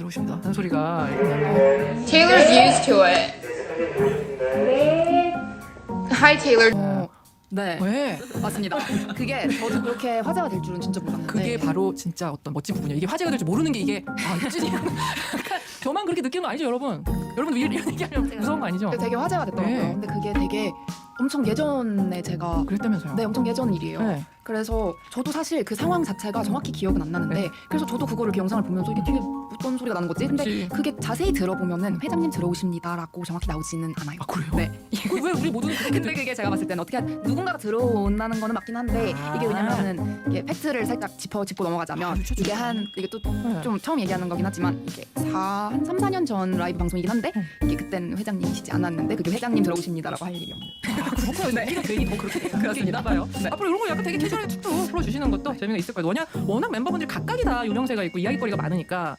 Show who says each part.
Speaker 1: 들어오신다 하는 소리가
Speaker 2: Taylor's used to it. Hi, Taylor.
Speaker 3: 네,
Speaker 1: 왜?
Speaker 3: 맞습니다. 그게 저도 그렇게 화제가 될 줄은 진짜 몰랐는데
Speaker 1: 그게 바로 진짜 어떤 멋진 부분이에요. 이게 화제가 될 줄 모르는 게 이게 유진이 저만 그렇게 느끼는 거 아니죠 여러분? 여러분 이런 얘기하면 무서운 거 아니죠?
Speaker 3: 되게 화제가 됐더라고요.
Speaker 1: 네.
Speaker 3: 근데 그게 되게 엄청 예전에 제가
Speaker 1: 그랬다면서요?
Speaker 3: 네, 엄청 예전 일이에요.
Speaker 1: 네.
Speaker 3: 그래서 저도 사실 그 상황 자체가 정확히 기억은 안 나는데
Speaker 1: 네.
Speaker 3: 그래서 저도 그거를 그 영상을 보면서 이게 되게 어떤 소리가 나는 거지? 근데
Speaker 1: 그치.
Speaker 3: 그게 자세히 들어보면은 회장님 들어오십니다라고 정확히 나오지는 않아요.
Speaker 1: 아 그래요?
Speaker 3: 네.
Speaker 1: 왜 우리 모두는 그렇게
Speaker 3: 근데 그게 제가 봤을 때는 어떻게 누군가가 들어온다는 거는 맞긴 한데 이게 왜냐면은 이게 팩트를 살짝 짚고 넘어가자면 이게 이게 또 좀 처음 얘기하는 거긴 하지만 이게 한 3, 4년 전 라이브 방송이긴 한데 이게 그땐 회장님이시지 않았는데 그게 회장님 들어오십니다라고 할 일이 없는.
Speaker 1: 그렇구나. 네. 괜히 더 그렇게 그렇습니다. 봐요. 네. 앞으로 이런 거 약간 되게 캐주얼하게 툭툭 풀어주시는 것도 재미가 있을 거예요. 워낙 멤버분들이 각각이 다 유명세가 있고 이야기거리가 많으니까